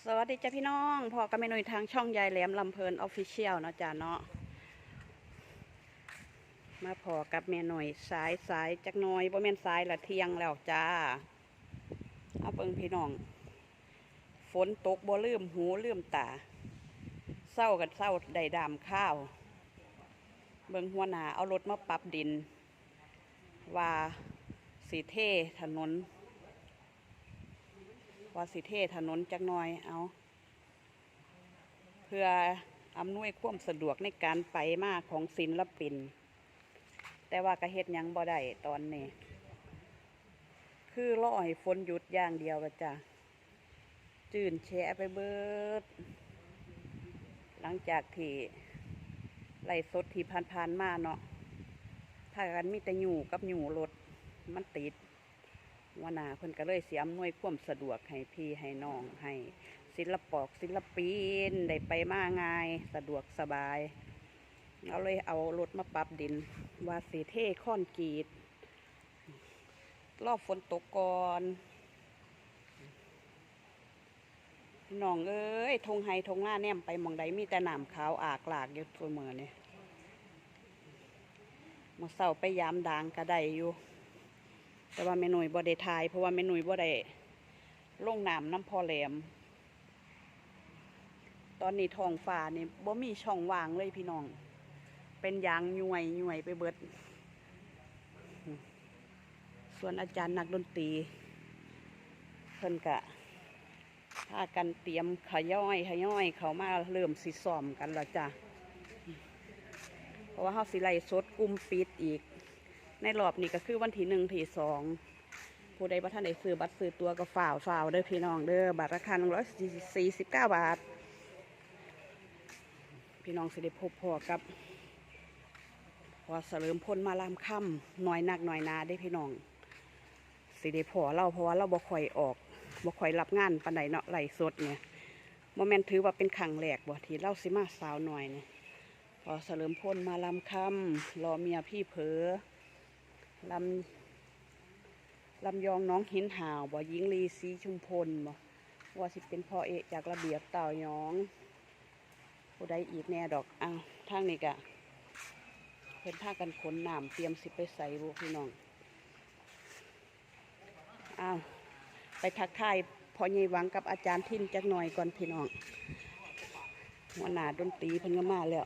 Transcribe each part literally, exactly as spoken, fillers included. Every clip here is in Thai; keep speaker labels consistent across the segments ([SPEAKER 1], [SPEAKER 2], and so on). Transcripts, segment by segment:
[SPEAKER 1] สวัสดีจ้าพี่น้องพอกับเมนูทางช่องยายแหลมลำเพลินออฟฟิเชียลเนาะจ้าเนาะมาพอกับเมนูสายสายจักหน่อยบ่แม่นสายละเที่ยงแล้วจ้าเอาเบิ่งพี่น้องฝนตกบ่ลืมหูลืมตาเศร้ากันเศร้าได้ดามข้าวเบิ่งหัวหน้าเอารถมาปรับดินว่าสีเทถนนว่าสิเทถนนจักหน่อยเอาเพื่ออำนวยความสะดวกในการไปมาของศิลปินแต่ว่ากระเฮ็ดยังบ่ได้ตอนนี้คือรอให้ฝนหยุดอย่างเดียวก็จะจื่นแฉะไปเบิดหลังจากที่ไล่สดที่ผ่านๆมาเนาะถ้ากันมีแต่หยู่กับหยู่รถมันติดว่านาเพิ่นก็เลยเสียอำนวยความสะดวกให้พี่ให้น้องให้ศิลปอกศิลปินได้ไปมาง่ายสะดวกสบายเอาเลยเอารถมาปรับดินว่าสีเท่ค่อนกรีดรอบฝนตกก่อนน้องเอ้ยทงไฮทงหน้าแนมไปมองใดมีแต่หนามขาวอากหลากอยู่ตัวเมือเนี่ยมาเศร้าไปยามด่างก็ได้อยู่แต่ว่าเมนุ่ยบ่ได้ทายเพราะว่าเมนุ่ยบ่ได้ลงน้ำน้ำพอแหลมตอนนี้ท้องฟ้านี่บ่มีช่องว่างเลยพี่น้องเป็นยางย่วยย่วยไปเบิดส่วนอาจารย์นักดนตรีเพิ่นกะพากันเตรียมขย่อยขย่อยเขามาเริ่มสิซ้อมกันแล้วจ้ะเพราะว่าเขาสิไล่สดกุมปิดอีกในรอบนี้ก็คือวันที่หนึ่งที่สองผู้ใดว่าท่านได้ซื้อบัตรซื้อตัวก็ฝ่าวฝ่าวเด้อพี่น้องเด้อบัตรราคาหนึ่งร้อยสี่สิบเก้าบาทพี่น้องสิได้พบพอกับพอเสริมพลมาลามค่ำหน่อยหนักหน่อยนาได้พี่น้องสิได้พอเราเพราะว่าเราบ่ค่อยออกบ่ค่อยรับงานปานใดเนาะไล่สดเนี่ยโมเมนต์ถือว่าเป็นขังแหลกบ่ที่เล่าสิมาสาวหน่อยเนี่ยพอเสริมพลมาลามค่ำรอเมียพี่เผลอลำลำยองน้องหินห่าวบ่ยิงลีสีชุมพลบ่ว่าสิเป็นพ่อเอกจากระเบียบเต่ายองผู้ใดอีกแน่ดอกอ้าวทางนี้กะเพิ่นพากันขนน้ำเตรียมสิไปใส่บุพี่น้องอ้าวไปทักทายพ่อใหญ่หวังกับอาจารย์ทินจักหน่อยก่อนพี่น้องหัวหน้าดนตรีเพิ่นก็มาแล้ว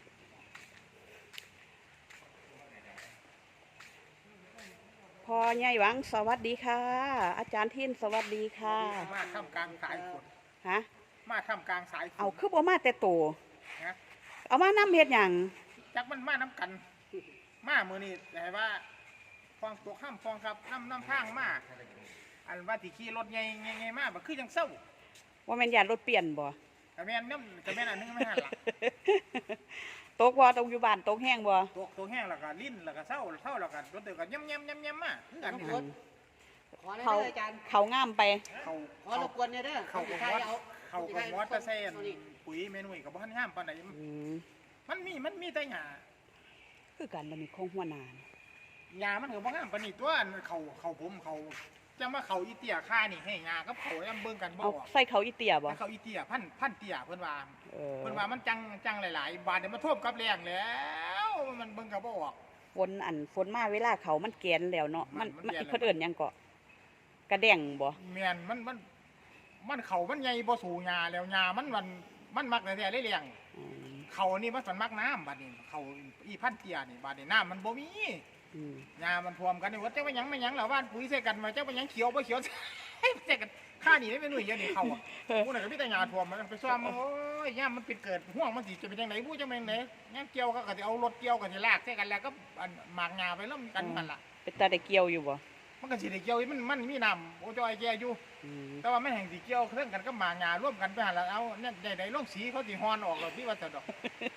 [SPEAKER 1] พ่อใหญ่หวังสวัสดีค่ะอาจารย์ทินสวัสดีค่ะ
[SPEAKER 2] มาทำกลางสายฝน
[SPEAKER 1] ฮะ
[SPEAKER 2] มาทำกลางสายฝน
[SPEAKER 1] เอาคือบ่มาแต่โต
[SPEAKER 2] นะ
[SPEAKER 1] เอามาน้ำเฮ็ดหยัง
[SPEAKER 2] จักมันมาน้ำกันมามือนี่แต่ว่าฟองตัวข้ามฟองครับน้ำน้ำทางมาอันว่าที่ขี่รถไงไงไงมาแบบคือยังเศร้า
[SPEAKER 1] ว่าแม่นยานรถเปลี่ยนบ่
[SPEAKER 2] กระแมนน้ำกระแมนอันนึงไม่หันหลัง
[SPEAKER 1] ตกบ่ตกอยู่บ้านตกแห้งบ่
[SPEAKER 2] ตกตัวแห้งแล้วก็ลิ้นแล้วก็เศร้าเศร้าแล้วก็รถเดือดก็ย่ำย่ำย่ำย่ำมาอันนี้
[SPEAKER 1] เขาเขาง่ามไป
[SPEAKER 2] เขา
[SPEAKER 3] ขอรบกวนเนี่ยเด้อ
[SPEAKER 2] เขากับวัดเขากับวัดตะเซนปุ๋ยเมนูกับบ้านห้ามปานไหนมันมีมันมีแต่หญ้า
[SPEAKER 1] คือการมันมีของหัวหน้า
[SPEAKER 2] หญ้ามันเหือบ้านห้ามปานนี่ตัวเขาเขาผมเขาจะมาเขาอีเตียค่านี่ให้หญ้ากับเขาย่ำเบิ่งกันบ่
[SPEAKER 1] เอาใส่เขาอีเตียบ่
[SPEAKER 2] เขาอีเตียพันพันเตียเพิ่นว่าเพิ่นว่ามันจังจังหลายๆบาทเดี๋ยวมาท่วมกับแรงแล้วมันเบิ่งกับบ่ออก
[SPEAKER 1] ฝนอันฝนมาเวลาเขามันแกนแล้วเนาะมันมันเพิ่นเอิ้นหยังก็กระแดงบ่
[SPEAKER 2] แม่นมันมันมันเขามันใหญ่บ่สู่หญ้าแล้วหญ้ามันมันมันมักแต่ได้เลี้ยงเขานี่มันมันมักน้ำบาดนี้เขาอีพันเตียนี่บาดนี้น้ำมันบ่มีหญ้ามันท่วมกันนี่ว่าเจ้าไปยังไม่ยังแล้วบ้านปุ๋ยใส่กันมาเจ้าไปยังเขียวบ่เขียวใส่กันข้านี่ได้เป็นหน่วยเยอะนี่เขาอ่ะผู้ไหนก็มีแต่หญ้าท่วมมันไปซ่อมโอ้ยหญ้ามันเป็นเกิดห่วงมันสิจะเป็นจังได๋ผู้จะเป็นจังได๋งั้นเกี่ยวก็ก็สิเอารถเกี่ยวก็สิลากใส่กันแล้วก็หมากหญ้าไปแล้วกันมันล่ะ
[SPEAKER 1] เป็นตาได้เกี่ยวอยู่บ่
[SPEAKER 2] มันก็สิได้เกี่ยวมันมันมีน้ำโอ้จอยแก่อยู่แต่ว่ามันแห่งสิเกี่ยวเครื่องกันก็หมากหญ้าร่วมกันไปหั่นแล้วเอาเนี่ยได้ๆลงสีเขาสิฮ้อนออกแล้วพี่ว่าจะดอก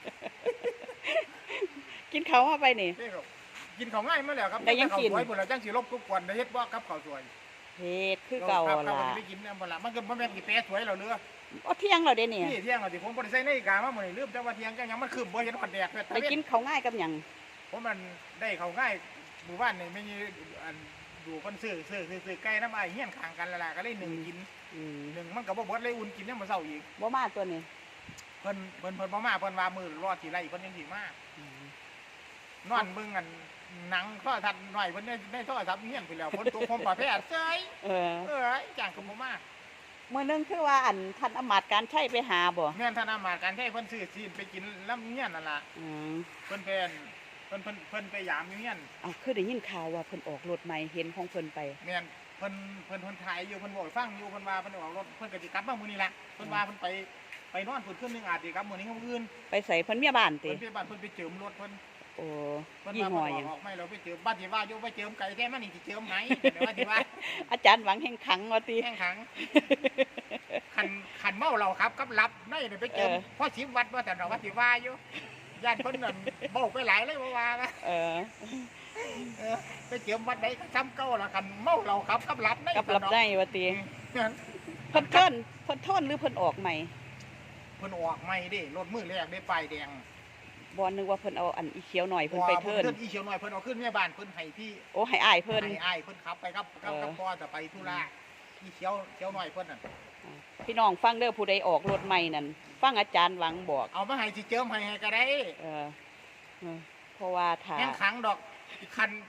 [SPEAKER 1] กินเขามาไปนี่
[SPEAKER 2] กินเขาง่ายมาแล้วครับ
[SPEAKER 1] ได้ยังกิน
[SPEAKER 2] ไว้หมดแล้วจังสิลบทุกคนได้เฮ็ดบ่กับข้าวสวย
[SPEAKER 1] เฮ็ดคือเก่าล่ะ
[SPEAKER 2] ได้กินบ่ล่ะมันก็บ่แม่นสิแปะสวยแล้วเด้อ
[SPEAKER 1] อ๋อเที่ยงแล้วเด้นี่
[SPEAKER 2] นี่เที่ยงแล้วสิผมบ่ได้ใส่นาฬิกามามื้อนี้ลืมแต่ว่าเที่ยงจังหยังมันคืมบ่เห็นฮอดแดก
[SPEAKER 1] ได้กินเขาง่ายกับหยัง
[SPEAKER 2] ผมมันได้เขาง่ายหมู่บ้านนี่ไม่มีอันอยู่คนซื้อซื้อซื้อไก่น้ำอ้ายเฮียนข้างกันแล้วล่ะก็เลยนึ่งกินนึ่งมันก็บ่เบิดเลยอุ่นกินยังมื้อเช้าอีก
[SPEAKER 1] บ่มาตัวนี้
[SPEAKER 2] เพิ่นเพิ่นเพิ่นบ่มาเพิ่นว่ามื้อรอสิไล่เพิ่นยังสิมา
[SPEAKER 1] อืม
[SPEAKER 2] นอนเบิ่งกันหนังโทรทัศน์หน่อยเพิ่นได้ได้โทรศัพท์เฮียนไปแล้วฝนตกผมประเภทเซ้ย
[SPEAKER 1] เออ
[SPEAKER 2] เอ้ยจ้างก็บ่มา
[SPEAKER 1] มื้อนึงคือว่าอันท่านอำมาตย์การใช้ไปหาบ่
[SPEAKER 2] แม่นธนามาการใช้เพิ่นซื้อซีนไปกินลำเฮียนนั่นล่ะ
[SPEAKER 1] อืม
[SPEAKER 2] เพิ่นเป็นเพิ่นเพิ่นเพิ่นไปยามอยู่เฮียน
[SPEAKER 1] เอาคือได้ยินข่าวว่าเพิ่นออกรถใหม่เห็นของเพิ่นไป
[SPEAKER 2] แม่นเพิ่นเพิ่นเพิ่นถ่ายอยู่เพิ่นบอกให้ฟังอยู่เพิ่นว่าเพิ่นออกรถเพิ่นก็สิกลับมามื้อนี้แหละเพิ่นว่าเพิ่นไปไปนอนพุ่นคืนนึงอาจสิกลับมื้อนี้มื้ออื่น
[SPEAKER 1] ไปใส่เพิ่นเมียบ้านติ
[SPEAKER 2] เพิ่นไปบ้านเพิ่นไปเจิมรถเพิ่น
[SPEAKER 1] โอ้
[SPEAKER 2] เพิ่น
[SPEAKER 1] ยี่
[SPEAKER 2] ว่า
[SPEAKER 1] ห้อ
[SPEAKER 2] เพิ่น
[SPEAKER 1] หยัง
[SPEAKER 2] ออกไม่เราไปเจิมบ้านที่ว่าอยู่ไปเจิมไก่แท้มันนี่สิเจิมไหนเดี๋ยวว่าสิว่า
[SPEAKER 1] อาจารย์หวังแห่งขังว่าติ
[SPEAKER 2] แห้งขังคันคันเมาเราครับกับรับในนี่ไปเจิม
[SPEAKER 1] เออ
[SPEAKER 2] พอสิบวัดว่าแต่เราว่าสิว่าอยู่ย่านเพิ่นนั่นเว้าไปหลายเลยบ่ว่านะ
[SPEAKER 1] เออ
[SPEAKER 2] เออไปเจิมวัดใดก็ซ้ำเก่าละคันเมาเราครับกับรับใน
[SPEAKER 1] กับรับได้ว่าติ
[SPEAKER 2] อืม
[SPEAKER 1] เพิ่นเทินเพิ่นโทนหรือเพิ่นออกใหม่
[SPEAKER 2] เพิ่นออกใหม่เด้รถมือแรกได้ป้ายแดง
[SPEAKER 1] บ่นึกว่าเพิ่นเอาอันอีเขียวหน่อยเพิ่นไปเทิน
[SPEAKER 2] เพิ่นอีเขียวหน่อยเพิ่นเอาขึ้นแม่บ้านเพิ่นให้พี่
[SPEAKER 1] โอ้ให้อ้ายเพิ่น
[SPEAKER 2] ให้อ้ายเพิ่นขับไปกับกับ
[SPEAKER 1] เออ
[SPEAKER 2] กับพ่อจะไปธุระอีเขียวเขียวหน่อยเพิ่นน่ะ
[SPEAKER 1] พี่น้องฟังเด้อผู้ใดออกรถใหม่นั่นฟังอาจารย์หวังบอก
[SPEAKER 2] เอามาให้สิเจิมให้ให้ก็ได้
[SPEAKER 1] เออเออเพราะว่าถ้า
[SPEAKER 2] แห้งขังดอกคัน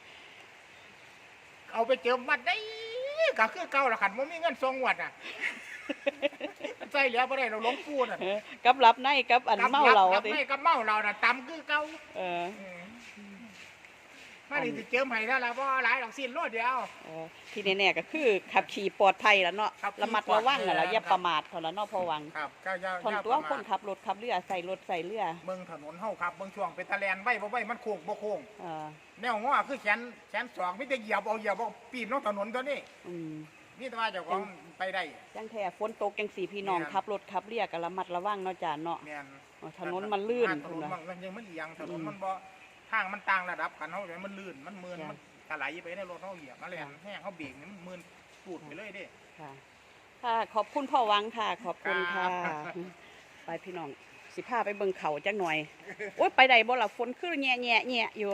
[SPEAKER 2] เอาไปเจิมวัดได้ก็คือเก่าละคันบ่มีเงินส่งวัดอ่ะ ใส่เหลือบ่ได้เราหลวงปู่น่ะ
[SPEAKER 1] เออกับรับในกับอันเมาเรา
[SPEAKER 2] กับ
[SPEAKER 1] ติ
[SPEAKER 2] ไม่กับเมาเราน่ะตำคือเก่า
[SPEAKER 1] เออ
[SPEAKER 2] อืมมานี่สิเจิมให้เท่าละบ่หลายดอกสิ้นโลดเดียว
[SPEAKER 1] เออที่แน่ๆก็คือขับขี่ปลอดภัยแล้วเนาะ
[SPEAKER 2] ขับขี่
[SPEAKER 1] ระมัดระวัง
[SPEAKER 2] ปลอดภัย
[SPEAKER 1] แล้วอย่า
[SPEAKER 2] ครับ
[SPEAKER 1] ประมาทเท่านั้นเนาะพอหวัง
[SPEAKER 2] ครับเจ้าเจ้า
[SPEAKER 1] ทน
[SPEAKER 2] เจ้า
[SPEAKER 1] ตัว
[SPEAKER 2] ประ
[SPEAKER 1] ค
[SPEAKER 2] มา
[SPEAKER 1] น
[SPEAKER 2] ท
[SPEAKER 1] ขับรถขับเรือใส่รถใส่เรือ
[SPEAKER 2] เบิ่งถนนเฮาครับเบิ่งช่วงเป็นตะแลนไว้บ่ไว้มันโค้งบ่โค้ง
[SPEAKER 1] เออ
[SPEAKER 2] แนวง้อคือแขนแขนสองมีแต่เหยียบเอาเหยียบเอาปีนลงถนนตัวนี้
[SPEAKER 1] อืม
[SPEAKER 2] นี่แต่ว่าเจ้าของไปได้
[SPEAKER 1] จังแท้ฝนตกจังสี่พี่น้อง
[SPEAKER 2] แม่น
[SPEAKER 1] ขับรถขับเรือก็ระมัดระวังเนาะจ้าเนาะ
[SPEAKER 2] แม่น
[SPEAKER 1] อ๋อถนนมันลื่น
[SPEAKER 2] ถนน
[SPEAKER 1] พุ่นน่ะ
[SPEAKER 2] มันยังมันเอียงถนน
[SPEAKER 1] อืม
[SPEAKER 2] มันบ่ทางมันต่างระดับกันเฮาเลยมันลื่นมันมืน
[SPEAKER 1] จ้ะ
[SPEAKER 2] มันถลายไปในรถเฮาเหยียบมาแล่นแห้งเฮาเบรกนี่มันมืนปูดไปเลยเด้
[SPEAKER 1] ค่ะค่ะขอบคุณพ่อหวังค่ะ ขอบคุณค่ะ
[SPEAKER 2] ครับ
[SPEAKER 1] ไปพี่น้องสิพาไปเบิ่งเขาจักหน่อยโอ๊ยไปได้บ่ล่ะฝนคือแง่แง่แง่อยู่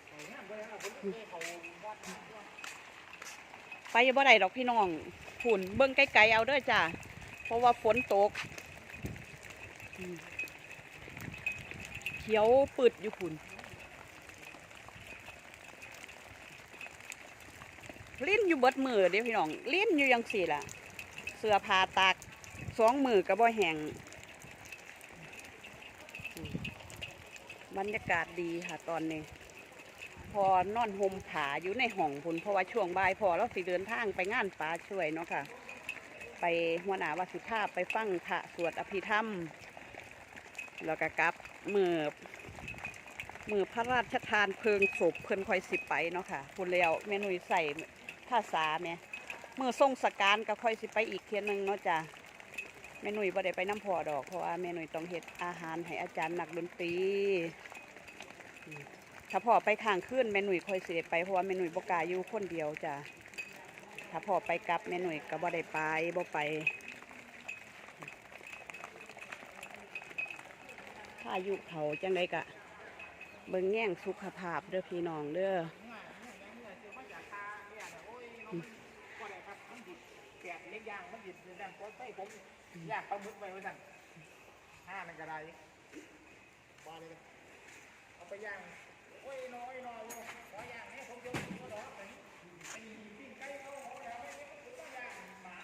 [SPEAKER 1] ไปบ่ได้ดอกพี่น้องฝุ่นเบิ่งไกลๆเอาเด้อจ้าเพราะว่าฝนตกอืมเขียวปืดอยู่ฝุ่นลิ้นอยู่เบิดมือเด้อพี่น้องลิ้นอยู่ยังสี่ล่ะ เสื้อผ้าตากสองมือก็บ่แห้งอืมบรรยากาศดีค่ะตอนนี้ พอนอนห่มผาอยู่ในห้องพุ่นเพราะว่าช่วงบ่ายพอเราสิเดินทางไปงานป่าช่วยเนาะค่ะ ไปหัวหน้าวาสิภาพไปฟังพระสวดอภิธรรม แล้วก็กลับมือมือพระราชทานเพลิงศพเพิ่นคอยสิไปเนาะค่ะพุ่นแล้วแม่นุ่ยใส่ภาษาแม่มือทรงสการก็ค่อยสิไปอีกเทียนหนึงเนาะจ้ะแม่นุ่ยบ่ได้ไปน้ำพอดอกเพราะว่าแม่นุ่ยต้องเฮ็ดอาหารให้อาจารย์นักดนตรี ถ้าพ่อไปข้างขึ้นแม่หนุ่ยค่อยสิได้ไปเพราะว่าแม่หนุ่ยบ่กล้าอยู่คนเดียวจ้ะถ้าพ่อไปกลับแม่หนุ่ยก็บ่ได้ไปบ่ไปถ้าอายุเขาจังไดกะเบิ่งแง่งสุขภาพเด้อพี่น้องเด้อ
[SPEAKER 2] แกะเล็กย่างมันดิบดันโพสต์ไปผมย่างปลาหมึกไปไว้สั่นห้านั่นก็ได้พอเลยเอาไปย่างโอ้ยน้อยน้อยขอย่างนี้ผมจะก็รอไปไอ้ปิ้งไก่เขาเขาแล้วไม่ได้ผมก็ย่างหมา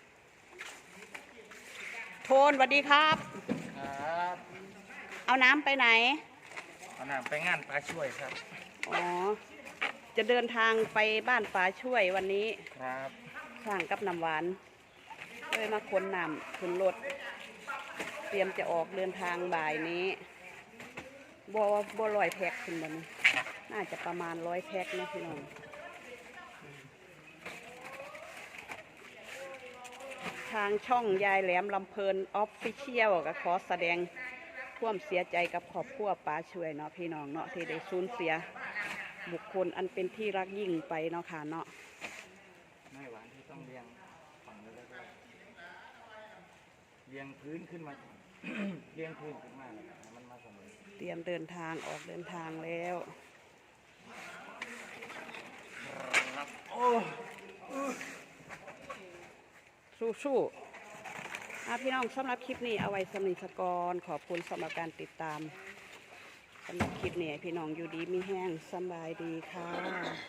[SPEAKER 1] โทนสวัสดีครับ
[SPEAKER 2] ครับ
[SPEAKER 1] เอาน้ำไปไหน
[SPEAKER 2] เอาน้ำไปงานปลาช่วยครับ
[SPEAKER 1] อ๋อจะเดินทางไปบ้านป่าช่วยวันนี้
[SPEAKER 2] ครับ
[SPEAKER 1] สร้างกับน้ำหวานเลยมาขนน้ำขึ้นรถเตรียมจะออกเดินทางบ่ายนี้บ่บ่ร้อยแพ็คขึ้นบนนี้น่าจะประมาณร้อยแพ็คนะพี่น้องทางช่องยายแหลมลำเพลินออฟฟิเชียลก็ขอแสดงความเสียใจกับครอบครัวป้าช่วยเนาะพี่น้องเนาะที่ได้สูญเสียบุคคลอันเป็นที่รักยิ่งไปเนาะค่ะเนาะ
[SPEAKER 2] ไม่หวานที่ต้องเลี้ยงฝั่งแล้วก็เลี้ยงพื้นขึ้นมา เลี้ยงพื้นขึ้นมาแล้วให้มันมาเสมอ
[SPEAKER 1] เตรียมเดินทางออกเดินทางแล้ว
[SPEAKER 2] โอ้
[SPEAKER 1] สู้สู้อ่ะพี่น้องสำหรับคลิปนี้เอาไว้สำนิสกรขอบคุณสำหรับการติดตามสำหรับคลิปนี้พี่น้องอยู่ดีมีแห้งสบายดีค่ะ